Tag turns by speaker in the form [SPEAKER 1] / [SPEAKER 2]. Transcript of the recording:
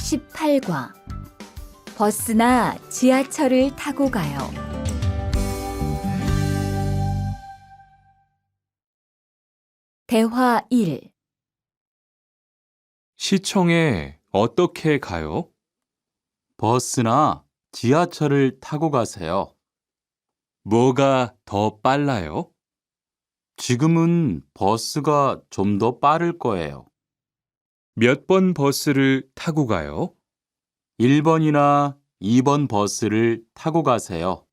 [SPEAKER 1] 18과 버스나 지하철을 타고 가요. 대화 1.
[SPEAKER 2] 시청에 어떻게 가요?
[SPEAKER 3] 버스나 지하철을 타고 가세요.
[SPEAKER 2] 뭐가 더 빨라요?
[SPEAKER 3] 지금은 버스가 좀 더 빠를 거예요.
[SPEAKER 2] 몇 번 버스를 타고 가요?
[SPEAKER 3] 1번이나 2번 버스를 타고 가세요.